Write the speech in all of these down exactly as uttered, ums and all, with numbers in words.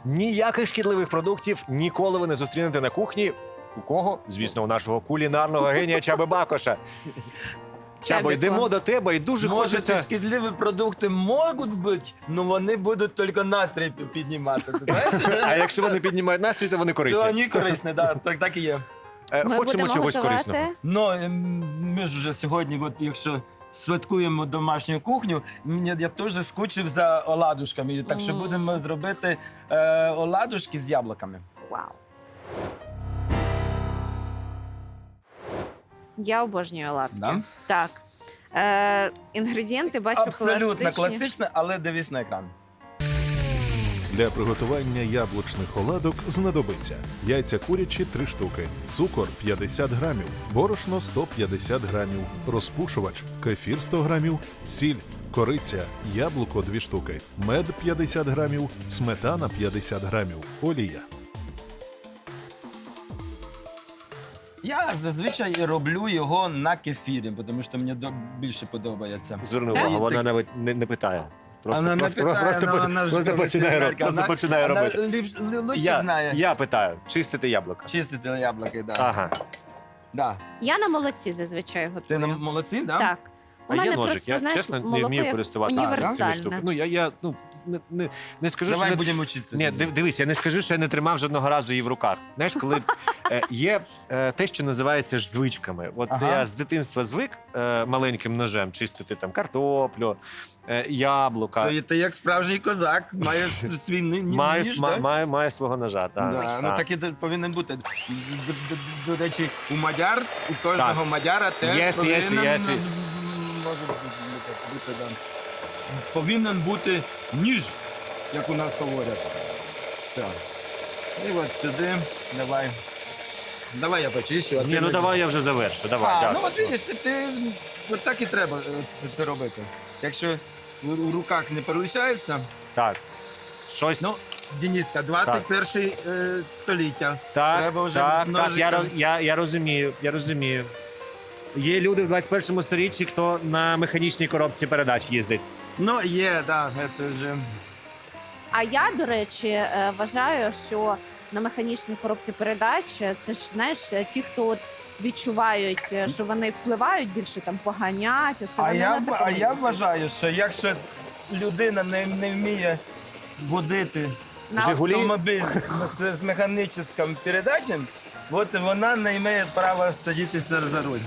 Ніяких шкідливих продуктів ніколи ви не зустрінете на кухні. У кого? Звісно, у нашого кулінарного генія Чаби Бакоша. Чабо, Чабіко. йдемо до тебе і дуже Може, ці хочеться... шкідливі продукти можуть бути, але вони будуть тільки настрій пі- піднімати. Ти знаєш? А якщо вони піднімають настрій, то вони То корисні. вони корисні, да, так, так і є. Е, Ми Хочемо будемо чогось готувати. корисного. Ну, ем, ми ж вже сьогодні, от, якщо святкуємо домашню кухню, мені- я теж скучив за оладушками. Так що Мм. будемо зробити е, оладушки з яблуками. Вау. Я обожнюю оладки. Да? Так. Е, інгредієнти, бачу, Абсолютно класичні. класично, але дивись на екран. Для приготування яблучних оладок знадобиться яйця курячі три штуки, цукор п'ятдесят грамів, борошно сто п'ятдесят грамів, розпушувач, кефір сто грамів, сіль, кориця, яблуко дві штуки, мед п'ятдесят грамів, сметана п'ятдесят грамів, олія. Я зазвичай роблю його на кефірі, тому що мені до- більше подобається. Зверни Так? увагу, вона Так. навіть не, не питає. Просто, Вона не просто, питає, просто, але поч- вона ж просто починає, роб- професіональка. просто Вона- починає вона робити. ліпш- лі- лучше Я, знає. я питаю, чистити яблука. Чистити яблуки, да. Ага. Да. Я на молоці зазвичай Ти готую. на молодці, да? Так. У А мене є ножик, просто, я знаєш, чесно не молоко вмію як користуватися цими універсальне. штуками. Ну, я, я ну, не, не, не скажу, Давай що не... будемо вчитися. Ні, див- дивись, я не скажу, що я не тримав жодного разу її в руках. Знаєш, коли е, є е, те, що називається ж звичками. От Ага. я з дитинства звик е, маленьким ножем чистити там картоплю, е, яблука. То ти як справжній козак, маєш свій ні- ні- Має, ніж, ма- да? має, має свого ножа. Так, Да, ну так. так і д- повинен бути. Д- д- д- До речі, у мадяр, у кожного Так. мадяра теж Є, є, повинен, є, є. м, може бути, бути, да. повинен бути ніж, як у нас говорять. Так. І от сюди, давай. Давай я почищу. а ти Ні, ну мені- давай я вже завершу. Давай, А, дякую. ну от видиш, ти, ти от так і треба е, це, це робити. Якщо у, у руках не получається, Так. Щось. ну, Дениска, двадцять перше е, століття. так, треба вже так, з так, я, ножиком. роз- я, я розумію, я розумію. Є люди в двадцять першому сторіччі, хто на механічній коробці передач їздить. Ну, є, так, це вже. А я, до речі, е, вважаю, що на механічній коробці передач е, це ж знаєш, е, ті, хто от відчувають, е, що вони впливають більше там поганять. Оце А вони я, на б- такому а я їздять. вважаю, що якщо людина не, не вміє водити На Жигулі? автомобіль з, з механічним передачем, от вона не має права садитися за руль.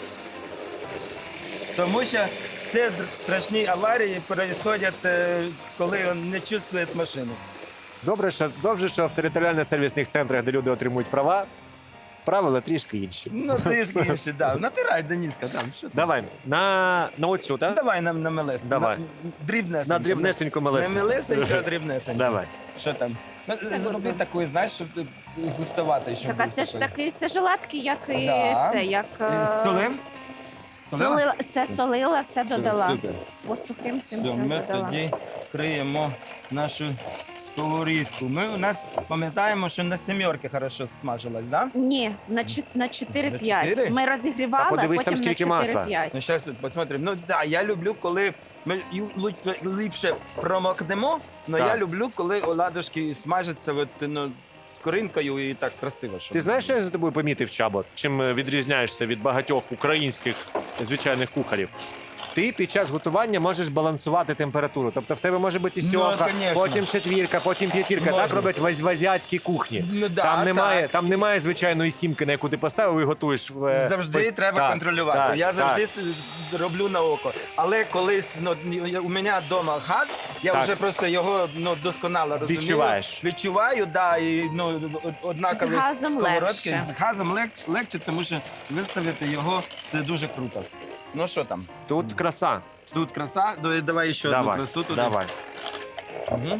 Тому що всі др- страшні аварії відбуваються, е, коли він не чувствує машину. Добре, що, добре, що в територіальних сервісних центрах, де люди отримують права, правила трішки інші. Ну, трішки інше, да. Натирай, Дениска, там, що ти? Давай, на, на оцю, так? Давай на, на мелес. Давай. На, дрібнесенько. На дрібнесеньку Не мелесеньку. мелесенько, а дрібнесенько. Давай. Що там? Ну, зроби таку, знаєш, щоб е, густувати. Щоб Так, а був це ж такий. такий, це ж оладки, як і Да. це, як Е, е, Солив? солила, все солила, все додала. Супер. По сухим цим Все, все ми додала. тоді криємо нашу сковорідку. Ми у нас пам'ятаємо, що на сімерки хорошо смажилась, да? Ні, на чот- на На чотири-п'ять. чотири? Ми А розігрівали, подивись, там потім на скільки масла. чотири-п'ять. Ну, зараз посмотрим. Ну, да, я люблю, коли ми ю- лу- ліпше промокнемо, але Так. я люблю, коли оладушки смажаться от, ну, з коринкою і так красиво. Щоб... Ти знаєш, що я за тобою помітив, Чабо? Чим е, відрізняєшся від багатьох українських звичайних кухарів? Ти під час готування можеш балансувати температуру. Тобто в тебе може бути Ну, сьомка, конечно. потім четвірка, потім п'ятірка. Так Можна. роблять в, в азіатській кухні. Ну, да, там, немає, так. там немає звичайної сімки, на яку ти поставив і готуєш. е, Завжди ось- треба так, контролювати. так, я завжди так. с- роблю на око. Але колись ну, я- у мене вдома газ, я Так. вже просто його ну, досконало розумію. Відчуваєш. Відчуваю, да, і ну, од- однакові З газом сковородки. легше. З газом лег- легше, тому що виставити його це дуже круто. Ну що там? Тут краса. Тут краса, ну, і давай ще одну Давай, красу туди. давай. Угу.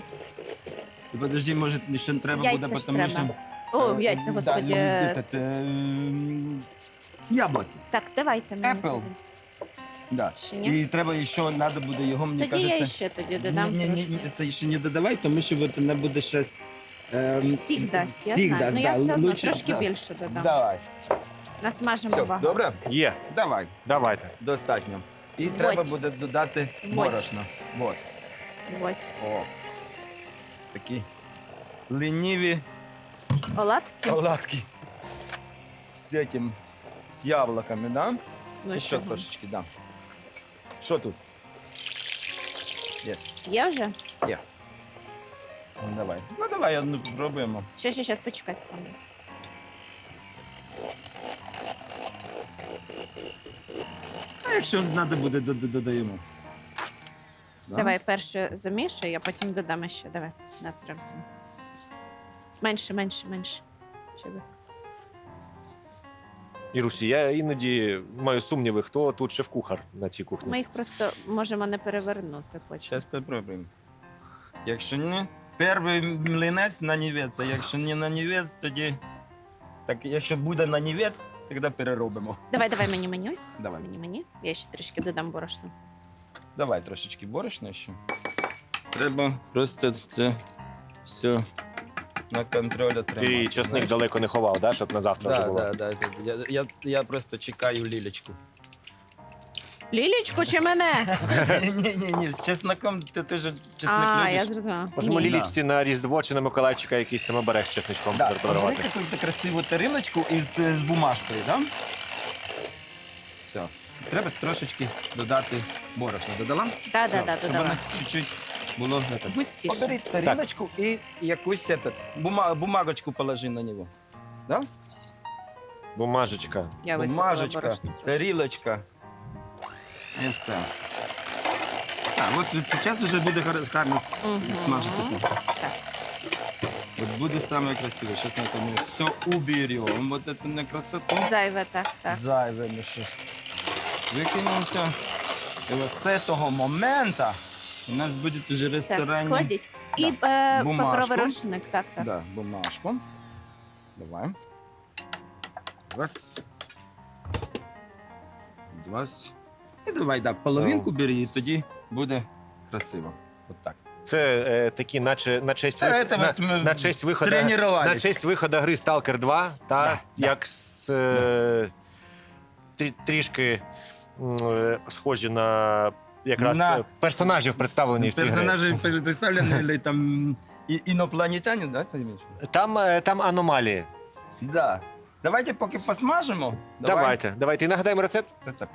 І подожди, може, ще треба Яйця буде, ж тому що... треба. О, яйця, Да, господи. ну, этот, ем, яблуки. Так, давайте мені. Apple. Да. Ще ні? І треба ще, треба буде його, мені Тоді я кажеться... ще тоді додам ні, ні, трошки. ні, це ще не додавай, тому що от вона буде щось... Ем, Сік дасть, я сік знаю. дасть, Ну я да, все одно лучше, трошки да. більше додам. Давай. Насмажимо Все, багато. добре? Є, Давай, давайте. достатньо. І Вот. треба буде додати Вот. борошно. Вот. Ось. О. Такі. ліниві Оладки? оладки з, з этим, з яблуками, да? Ну, І ще чого? трошечки, да. Що тут? Є. Є вже? Є. Ну, давай. Ну, давай одну спробуємо. Ще, ще, ще, почекай секунду. А якщо треба буде, до- до- додаємо. Да? Давай перше замішуй, а потім додамо ще. Давай, на прям це. Менше, менше, менше. Щоб... Ірусі, я іноді маю сумніви, хто тут шеф-кухар на цій кухні. Ми їх просто можемо не перевернути потім. Зараз спробуємо. Якщо ні, перший млинець на нівець, а якщо не на нівець, тоді... Так, якщо буде на нівець, тоді переробимо. Давай, давай мені меню. Давай. Мені, мені. Я ще трішки додам борошна. Давай трошечки борошна ще. Треба просто це все на контроль отримати. Ти часник знаєш? далеко не ховав, да, щоб на завтра вже Да, було? да, да, да. Я, я, я просто чекаю лілечку. Лілічку чи мене? Ні, ні, ні, з чесноком ти, ти ж чесник А, любиш. я зрозуміла. Можемо Ні. лілічці на Різдво чи на Миколайчика якийсь там оберег з чесничком Да, подарувати. обери якусь красиву тарілочку із з бумажкою, да? Все. Треба трошечки додати борошна. Додала? Да, Все, да, да, щоб додала. воно чуть-чуть було. это. Густіше. Оберіть тарілочку і якусь этот, бума, бумагочку положи на нього. Да? Бумажечка. Я висипала Бумажечка, борошно. тарілочка. І все. А, от зараз вже буде гар- гарно Мгм. смажитися. Так. Вот будет самое красивое. Сейчас мы это все уберем. Вот эту на красоту. Зайве, так, так. Зайве ми ще викинемо все. І от з цього моменту у нас буде вже Все, ресторанні... кладіть. І е, Бумажку. паперовий рушник, так, так. Да, бумажку. Давай. Раз. Два. І давай, да, половинку бери, і тоді буде красиво. От так. Це е, такі, наче на честь, Це вих- це на, от ми на честь виходу тренувались. на честь виходу гри Stalker два, та Да, да. як з, е, трі- трішки м, е, схожі на якраз На- е, персонажів представлені в цій грі. Персонажі представлені, или там і- інопланетяни, да, ти имеєш? Там, е, там аномалії. Да. Давайте поки посмажимо. Давай. Давайте, давайте. І нагадаємо рецепт. Рецепт.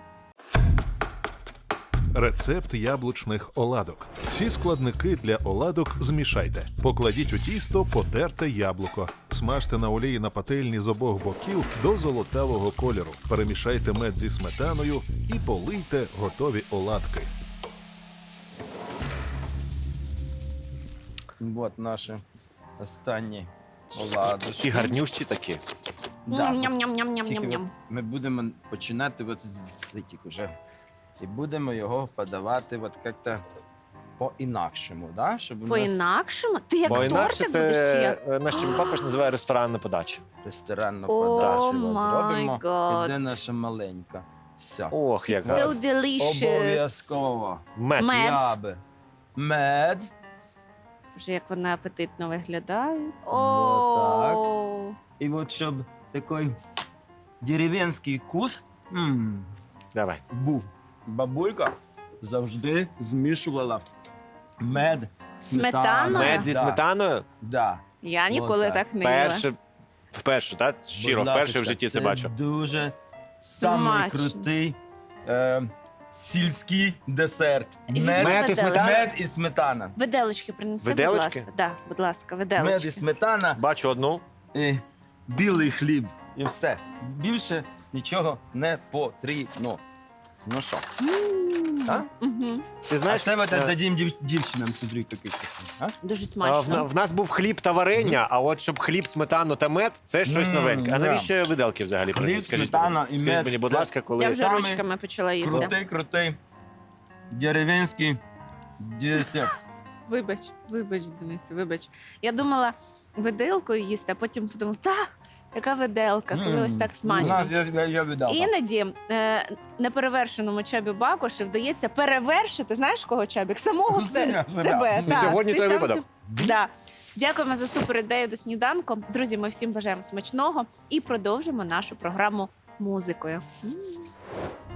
Рецепт яблучних оладок. Всі складники для оладок змішайте. Покладіть у тісто потерте яблуко. Смажте на олії на пательні з обох боків до золотавого кольору. Перемішайте мед зі сметаною і полийте готові оладки. Вот наші останні оладушки. Всі гарнющі такі. Да, Тільки Ням-ням-ням-ням-ням-ням. от ми будемо починати от з цих уже. І будемо його подавати от як-то по-інакшому, да? Щоб у нас По-інакшому? Ти як Бо інакше тортик будеш чи це як? е, наш папа ж називає ресторанна подача. ресторанну О, подачу от май робимо. гад. І де наша маленька. Все. Ох, як So гарно. delicious. Обов'язково. Мед. Мед. Я би. Мед. Боже, як вони апетитно виглядають. Вот О, І от щоб такий деревенський вкус м, Давай. був. Бабулька завжди змішувала мед. Сметана? Мед зі Да. сметаною. Да. я ніколи так. так не їла. Перше, вперше, так? Щиро, Будь вперше в ласочка, житті це бачу. Дуже самий Смачно. крутий е, сільський десерт. І візьми Мед, Мед і виделочку. сметана? мед і сметана. Виделочки принеси, Виделочки? будь ласка. Да, будь ласка, Мед виделочки. і сметана, Бачу одну. і білий хліб. І все. Більше нічого не потрібно. Ну що? М, А? мгм. Ти А знаєш, це ми е, дадим дів, дівчинам, смотри, який красивий. А? Дуже а, в, смачно. в нас був хліб та варення, а от щоб хліб, сметану та мед, це щось М, новеньке. А да. навіщо виделки взагалі? Хліб, приніс? Скажіть сметана мені. і Скажіть мед мені, будь це- ласка, коли Я вже Саме ручками почала їсти. Крутий, крутий деревенський десерт. Вибач, вибач, Денисе, вибач. Я думала виделкою їсти, а потім подумала, та, яка виделка, коли ось так У смачно. нас я, я, я віддав. Іноді е, неперевершеному Чабі Бакуші вдається перевершити, знаєш кого, Чабік? Самого Ну, те- це я, тебе. да. та, Сьогодні ти той сам випадок. себе- Да. Дякуємо за супер ідею до сніданку. Друзі, ми всім бажаємо смачного і продовжимо нашу програму музикою. М.